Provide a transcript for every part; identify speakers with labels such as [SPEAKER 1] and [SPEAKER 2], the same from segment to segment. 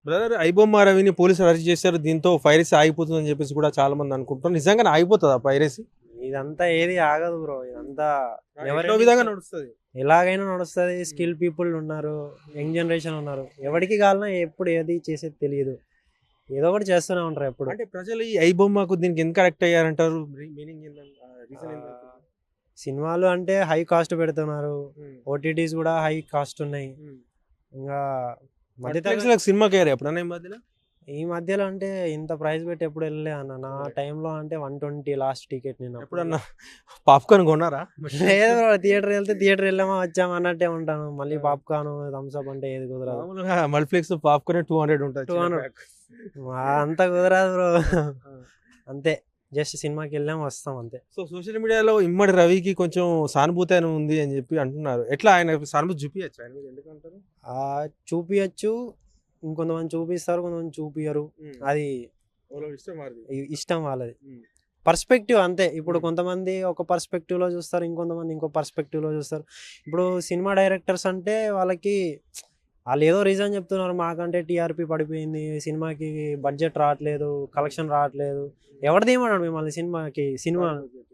[SPEAKER 1] Brother iBomma రవిని పోలీసులు arrest చేశారు. దీంతో పైరసీ ఆగిపోతుందని చెప్పేసి కూడా చాలా మంది అనుకుంటున్నారు. నిజంగానే ఆగిపోతుందా పైరసీ?
[SPEAKER 2] ఇదంతా ఏది ఆగదు బ్రో. ఇదంతా
[SPEAKER 1] ఎవరో విధంగా నడుస్తుంది.
[SPEAKER 2] ఎలాగైనా నడుస్తుంది. స్కిల్ పీపుల్ ఉన్నారు, యంగ్ జనరేషన్ ఉన్నారు. ఎవరికి కావాలన్నా ఎప్పుడు ఏది చేసేది తెలియదు, ఏదో ఒకటి చేస్తూనే ఉంటారు ఎప్పుడు.
[SPEAKER 1] అంటే ప్రజలు ఈ ఐబొమ్మకు దీనికి ఎందుకు కరెక్ట్ అయ్యారంటారు? మీనింగ్
[SPEAKER 2] సినిమాలు అంటే హై కాస్ట్ పెడుతున్నారు, ఓటీటీస్ కూడా హై కాస్ట్ ఉన్నాయి. ఇంకా మధ్య
[SPEAKER 1] సినిమాకి అయ్యారు ఎప్పుడన్నా ఈ మధ్యలో?
[SPEAKER 2] ఈ మధ్యలో అంటే ఇంత ప్రైస్ పెట్టి ఎప్పుడు వెళ్ళలే అన్న. నా టైంలో అంటే 120 లాస్ట్ టికెట్. నేను
[SPEAKER 1] ఎప్పుడన్నా పాప్కార్న్ కొన్నారా?
[SPEAKER 2] లేదు బ్రో, థియేటర్ వెళ్తే థియేటర్ వెళ్ళామా వచ్చామా అన్నట్టే ఉంటాను. మళ్ళీ పాప్కార్న్ థమ్స్ అప్ అంటే ఏది కుదరదు.
[SPEAKER 1] మల్టీప్లెక్స్ పాప్కార్న్ 200 ఉంటుంది.
[SPEAKER 2] 200 అంత కుదరదు బ్రో. అంతే, జస్ట్ సినిమాకి వెళ్ళాం వస్తాం అంతే.
[SPEAKER 1] సో సోషల్ మీడియాలో ఇమ్మడి రవికి కొంచెం సానుభూతి అని ఉంది అని చెప్పి అంటున్నారు. ఎట్లా ఆయన సానుభూతి చూపించచ్చు? ఆయన మీద ఎందుకంటారు?
[SPEAKER 2] చూపించచ్చు, ఇంకొంతమంది చూపిస్తారు, కొంతమంది చూపియరు. అది ఇష్టం వాళ్ళది, పర్స్పెక్టివ్ అంతే. ఇప్పుడు కొంతమంది ఒక పర్స్పెక్టివ్ లో చూస్తారు, ఇంకొంతమంది ఇంకో పర్స్పెక్టివ్ లో చూస్తారు. ఇప్పుడు సినిమా డైరెక్టర్స్ అంటే వాళ్ళకి వాళ్ళు ఏదో రీజన్ చెప్తున్నారు, మాకంటే టీఆర్పీ పడిపోయింది, సినిమాకి బడ్జెట్ రావట్లేదు, కలెక్షన్ రావట్లేదు. ఎవరు తీయమన్నాడు మిమ్మల్ని సినిమాకి? సినిమా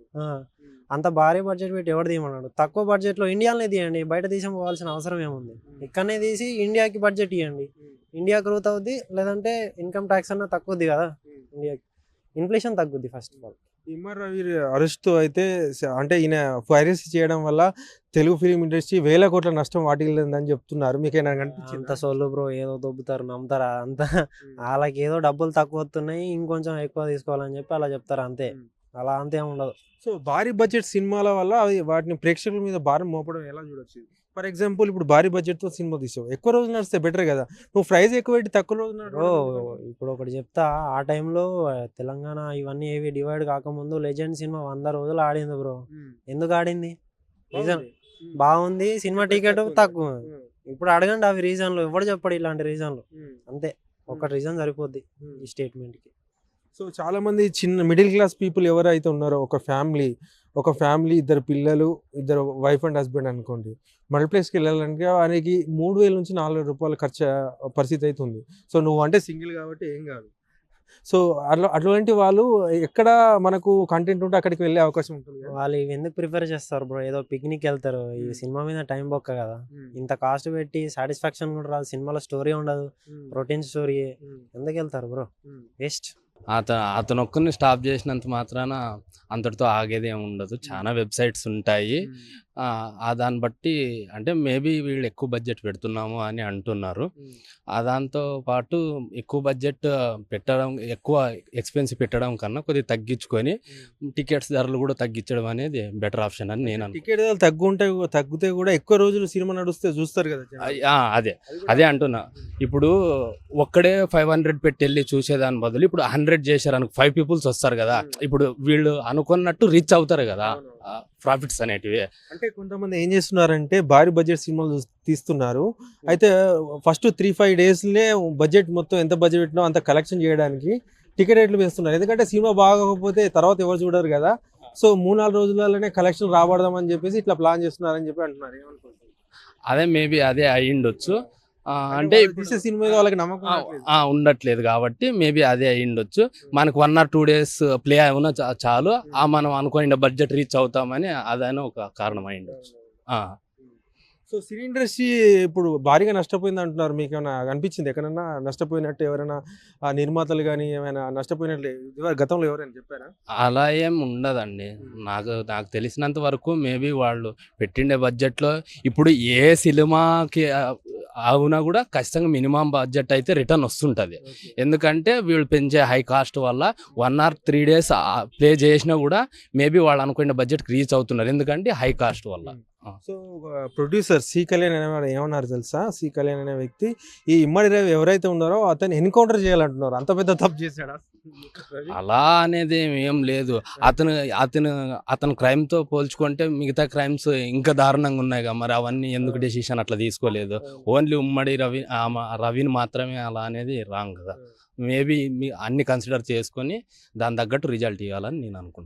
[SPEAKER 2] అంత భారీ బడ్జెట్ పెట్టి ఎవరు తీయమన్నాడు? తక్కువ బడ్జెట్లో ఇండియాలోనే తీయండి, బయట దేశం పోవాల్సిన అవసరం ఏముంది? ఇక్కడనే తీసి ఇండియాకి బడ్జెట్ ఇవ్వండి, ఇండియా గ్రోత్ అవుద్ది. లేదంటే ఇన్కమ్ ట్యాక్స్ అన్న తక్కువద్ది కదా ఇండియాకి, ఇన్ఫ్లేషన్ తగ్గుద్ది. First of all
[SPEAKER 1] Immadi Ravi arrest అయితే అంటే ఈయన పైరసీ చేయడం వల్ల తెలుగు ఫిలిం ఇండస్ట్రీ వేల కోట్ల నష్టం వాటిల్లిందని చెప్తున్నారు. మీకైనా కనిపించింది?
[SPEAKER 2] అంత సొల్లు బ్రో, ఏదో దొబ్బుతారు, నమ్ముతారా? అంత వాళ్ళకి ఏదో డబ్బులు తక్కువ వస్తున్నాయి, ఇంకొంచెం ఎక్కువ తీసుకోవాలని చెప్పి అలా చెప్తారు అంతే. అలా అంతే ఉండదు.
[SPEAKER 1] సో భారీ బడ్జెట్ సినిమాల వల్ల వాటిని ప్రేక్షకుల మీద భారం మోపడం ఎలా చూడొచ్చు? ఫర్ ఎగ్జాంపుల్ ఇప్పుడు భారీ బడ్జెట్ తో సినిమా తీసావు, ఎక్కువ రోజులు నడిస్తే బెటర్ కదా. నువ్వు ప్రైస్ ఎక్కువ పెట్టి తక్కువ రోజు
[SPEAKER 2] ఇప్పుడు ఒకటి చెప్తా, ఆ టైంలో తెలంగాణ ఇవన్నీ ఏవి డివైడ్ కాకముందు లెజెండ్ సినిమా 100 రోజులు ఆడింది బ్రో. ఎందుకు ఆడింది? రీజన్ బాగుంది, సినిమా టికెట్ తక్కువ. ఇప్పుడు అడగండి అవి రీజన్లు, ఎవడు చెప్పాడు ఇలాంటి రీజన్లు? అంతే, ఒక రీజన్ సరిపోద్ది ఈ స్టేట్మెంట్ కి.
[SPEAKER 1] సో చాలా మంది చిన్న మిడిల్ క్లాస్ పీపుల్ ఎవరైతే ఉన్నారో, ఒక ఫ్యామిలీ 2 పిల్లలు, 2 వైఫ్ అండ్ హస్బెండ్ అనుకోండి, మల్టీప్లెక్స్కి వెళ్ళాలంటే ఆయనకి 3000 నుంచి 4000 రూపాయలు ఖర్చు పరిస్థితి అయితే ఉంది. సో నువ్వు అంటే సింగిల్ కాబట్టి ఏం కాదు. సో అటువంటి వాళ్ళు ఎక్కడ మనకు కంటెంట్ ఉంటే అక్కడికి వెళ్ళే అవకాశం ఉంటుంది.
[SPEAKER 2] వాళ్ళు ఇవి ఎందుకు ప్రిఫర్ చేస్తారు బ్రో? ఏదో పిక్నిక్ వెళ్తారు, ఈ సినిమా మీద టైం బొక్క కదా. ఇంత కాస్ట్ పెట్టి సాటిస్ఫాక్షన్ కూడా రాదు, సినిమాలో స్టోరీ ఉండదు, రొటీన్ స్టోరీ. ఎందుకు వెళ్తారు బ్రో? వేస్ట్.
[SPEAKER 3] అతను ఒక్కరిని స్టాప్ చేసినంత మాత్రాన అంతటితో ఆగేది ఏమి ఉండదు. చాలా వెబ్సైట్స్ ఉంటాయి. దాన్ని బట్టి అంటే మేబీ వీళ్ళు ఎక్కువ బడ్జెట్ పెడుతున్నాము అని అంటున్నారు. దాంతో పాటు ఎక్కువ బడ్జెట్ పెట్టడం, ఎక్కువ ఎక్స్పెన్సివ్ పెట్టడం కన్నా కొద్దిగా తగ్గించుకొని టికెట్స్ ధరలు కూడా తగ్గించడం అనేది బెటర్ ఆప్షన్ అని నేను
[SPEAKER 1] టికెట్ ధరలు తగ్గితే కూడా ఎక్కువ రోజులు సినిమా నడుస్తే చూస్తారు కదా.
[SPEAKER 3] అదే అంటున్నా. ఇప్పుడు ఒక్కడే 500 పెట్టి వెళ్ళి చూసేదాని బదులు ఇప్పుడు 100 చేశారు అనుకో, 5 పీపుల్స్ వస్తారు కదా. ఇప్పుడు వీళ్ళు అనుకున్నట్టు రీచ్ అవుతారు కదా ప్రాఫిట్స్ అనేటివి.
[SPEAKER 1] అంటే కొంతమంది ఏం చేస్తున్నారంటే భారీ బడ్జెట్ సినిమాలు తీస్తున్నారు. అయితే ఫస్ట్ 3-5 డేస్లే బడ్జెట్ మొత్తం ఎంత బడ్జెట్ పెట్టినా అంత కలెక్షన్ చేయడానికి టికెట్ రేట్లు వేస్తున్నారు. ఎందుకంటే సినిమా బాగోకపోతే తర్వాత ఎవరు చూడరు కదా. సో 3-4 రోజులలోనే కలెక్షన్ రాబడదామని చెప్పేసి ఇట్లా ప్లాన్ చేస్తున్నారని చెప్పి అంటున్నారు. ఏమనుకుంటున్నారు?
[SPEAKER 3] అదే మేబీ అదే అయ్యిండొచ్చు. అంటే
[SPEAKER 1] సినిమా వాళ్ళకి నమ్మకం
[SPEAKER 3] ఉండట్లేదు కాబట్టి మేబీ అదే అయ్యిండొచ్చు. మనకు 1 or 2 days ప్లే అయినా చాలు, మనం అనుకున్న బడ్జెట్ రీచ్ అవుతామని అదైనా ఒక కారణం అయ్యిండొచ్చు.
[SPEAKER 1] సో సినీ ఇండస్ట్రీ ఇప్పుడు భారీగా నష్టపోయింది అంటున్నారు. మీకు ఏమైనా అనిపించింది ఎక్కడన్నా నష్టపోయినట్టు? ఎవరైనా నిర్మాతలు కానీ ఏమైనా నష్టపోయినట్లు గతంలో ఎవరైనా చెప్పారా?
[SPEAKER 3] అలా ఏం ఉండదండి. నాకు తెలిసినంత వరకు మేబీ వాళ్ళు పెట్టిండే బడ్జెట్లో ఇప్పుడు ఏ సినిమాకి అవునా కూడా ఖచ్చితంగా మినిమం బడ్జెట్ అయితే రిటర్న్ వస్తుంటుంది. ఎందుకంటే వీళ్ళు పెంచే హై కాస్ట్ వల్ల 1 or 3 days ప్లే చేసినా కూడా మేబీ వాళ్ళు అనుకున్న బడ్జెట్కి రీచ్ అవుతున్నారు, ఎందుకంటే హై కాస్ట్ వల్ల.
[SPEAKER 1] సో ప్రొడ్యూసర్ సి కళ్యాణ్ అనేవాడు ఏమన్నారు తెలుసా? సి కళ్యాణ్ అనే వ్యక్తి ఈ ఇమ్మడి రవి ఎవరైతే ఉన్నారో అతన్ని ఎన్కౌంటర్ చేయాలంటున్నారు. అంత పెద్ద తప్పు చేశాడా?
[SPEAKER 3] అలా అనేది ఏం లేదు. అతను క్రైమ్ తో పోల్చుకుంటే మిగతా క్రైమ్స్ ఇంకా దారుణంగా ఉన్నాయి కదా. మరి అవన్నీ ఎందుకు డెసిషన్ అట్లా తీసుకోలేదు? ఓన్లీ ఉమ్మడి రవిని మాత్రమే అలా అనేది రాంగ్ కదా. మేబీ అన్ని కన్సిడర్ చేసుకొని దాని తగ్గట్టు రిజల్ట్ ఇవ్వాలని నేను అనుకుంటున్నాను.